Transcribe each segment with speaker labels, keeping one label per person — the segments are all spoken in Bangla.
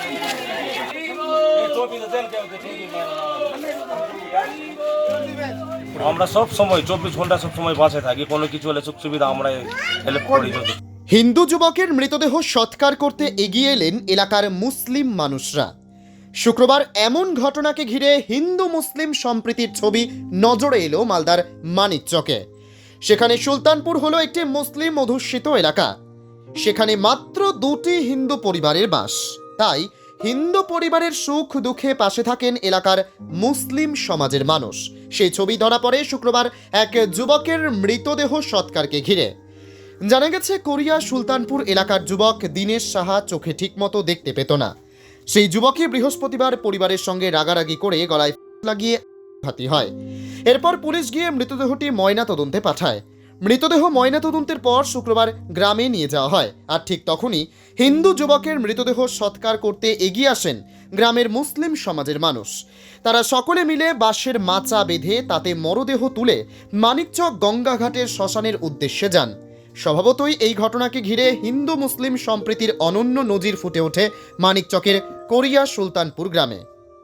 Speaker 1: আমরা সব সময় 24 ঘন্টা সব সময় বাসে থাকি, কোনো কিছু হলে সুখ সুবিধা আমরা হেল্প করি।
Speaker 2: হিন্দু যুবকের মৃতদেহ সৎকার করতে এগিয়ে এলেন এলাকার মুসলিম মানুষরা। শুক্রবার এমন ঘটনাকে ঘিরে হিন্দু মুসলিম সম্প্রীতির ছবি নজরে এলো মালদার মানিকচকে। সেখানে সুলতানপুর হলো একটি মুসলিম অধ্যুষিত এলাকা। সেখানে মাত্র 2টি হিন্দু পরিবারের বাস। তাই হিন্দু পরিবারের সুখ দুঃখে পাশে থাকেন এলাকার মুসলিম সমাজের মানুষ। সেই ছবি ধরা পড়ে শুক্রবার এক যুবকের মৃতদেহ সৎকারকে ঘিরে। জানা গেছে, কোরিয়া সুলতানপুর এলাকার যুবক দীনেশ সাহা চোখে ঠিকমতো দেখতে পেত না। সেই যুবকই বৃহস্পতিবার পরিবারের সঙ্গে রাগারাগি করে গলায় লাগিয়ে আঘাত হয়। এরপর পুলিশ গিয়ে মৃতদেহটি ময়না তদন্তে পাঠায়। মৃতদেহ ময়না তদন্তের পর শুক্রবার গ্রামে নিয়ে যাওয়া হয়। আর ঠিক তখনই হিন্দু যুবকের মৃতদেহ সৎকার করতে এগিয়ে আসেন গ্রামের মুসলিম সমাজের মানুষ। তারা সকলে মিলে বাঁশের মাচা বেঁধে তাতে মরদেহ তুলে মানিকচক গঙ্গাঘাটের শ্মশানের উদ্দেশ্যে যান। স্বভাবতই এই ঘটনাকে ঘিরে হিন্দু মুসলিম সম্প্রীতির অনন্য নজির ফুটে ওঠে মানিকচকের কোরিয়া সুলতানপুর গ্রামে।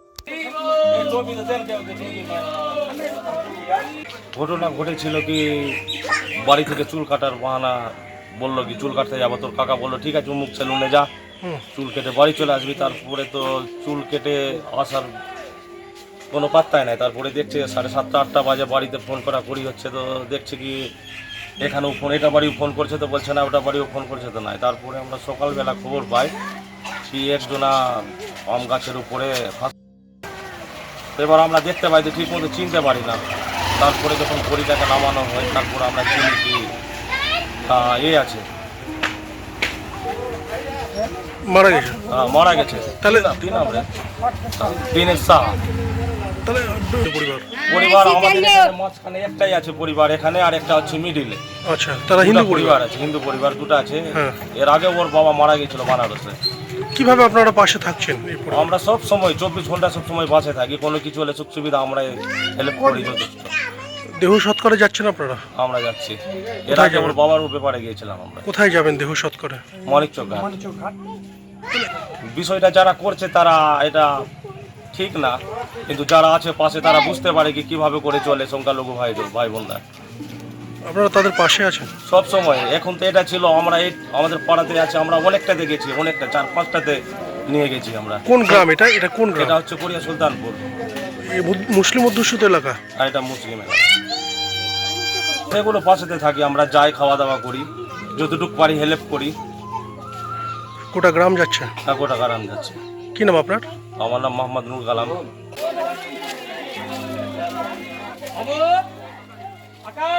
Speaker 1: ঘটনা ঘটেছিল কি, বাড়ি থেকে চুল কাটার বাহানা বললো কি চুল কাটতে যাবো, তোর কাকা বললো ঠিক আছে মুখ সেলুনে যা, চুল কেটে বাড়ি চলে আসবি। তারপরে তো চুল কেটে আসার কোনো পাত্তাই নাই। তারপরে দেখছে 7:30 8টা বাজে, বাড়িতে ফোন করা করি হচ্ছে। তো দেখছে কি এখানেও ফোন, এটা বাড়িও ফোন করছে তো বলছে না, ওটা বাড়িও ফোন করছে তো নাই। তারপরে আমরা সকালবেলা খবর পাই কি একজনা আম গাছের উপরে। এবার আমরা দেখতে পাই তো ঠিক মতো চিনতে পারি না। তারপরে যখন বড়িটাকে নামানো হয় তারপরে আমরা চিনি কি আছে, মারা গেছে। তাহলে কি নাম রে? দীনেশ সাহা। পরিবার আমাদের মাঝখানে একটাই আছে পরিবার এখানে, আর একটা হচ্ছে মিডিলে।
Speaker 3: আচ্ছা, তারা হিন্দু
Speaker 1: পরিবার আছে, হিন্দু পরিবার দুটো আছে। এর আগে ওর বাবা মারা গেছিল বানারসে।
Speaker 3: কিভাবে আপনারা পাশে থাকছেন?
Speaker 1: আমরা সব সময় 24 ঘন্টা সব সময় বাসে থাকি, কোনো কিছু হলে সুখ সুবিধা আমরা হেল্প করি যথেষ্ট।
Speaker 3: দেহ সৎকারে যাচ্ছেন আপনারা?
Speaker 1: আমরা যাচ্ছি। এর আগে ওর বাবার ব্যাপারে গিয়েছিলাম আমরা।
Speaker 3: কোথায় যাবেন দেহ সৎকারে?
Speaker 1: মানিকচক ঘাট। বিষয়টা যারা করছে তারা এটা ঠিক না, কিন্তু যারা আছে পাশে তারা বুঝতে পারে কি কিভাবে করে চলে সংখ্যালঘু ভাই বোনরা।
Speaker 3: আপনারা তাদের পাশে আছেন
Speaker 1: সব সময়। এখন তো এটা ছিল আমরা আমাদের পাড়াতে আছে, আমরা অনেকটাতে গেছি, অনেকটা 4-5টাতে নিয়ে গেছি আমরা।
Speaker 3: কোন গ্রাম এটা? এটা কোন গ্রাম?
Speaker 1: এটা হচ্ছে কোরিয়া সুলতানপুর।
Speaker 3: মুসলিম অধ্যুষিত এলাকা?
Speaker 1: আর এটা মুসলিম এলাকা। এগুলো পাশেতে থাকি, আমরা যাই, খাওয়া দাওয়া করি, যতটুকু পারি হেল্প করি।
Speaker 3: গোটা গ্রাম যাচ্ছে?
Speaker 1: হ্যাঁ, গোটা গ্রাম যাচ্ছে।
Speaker 3: কি নাম আপনার?
Speaker 1: আমার নাম মোহাম্মদ নুর কালাম।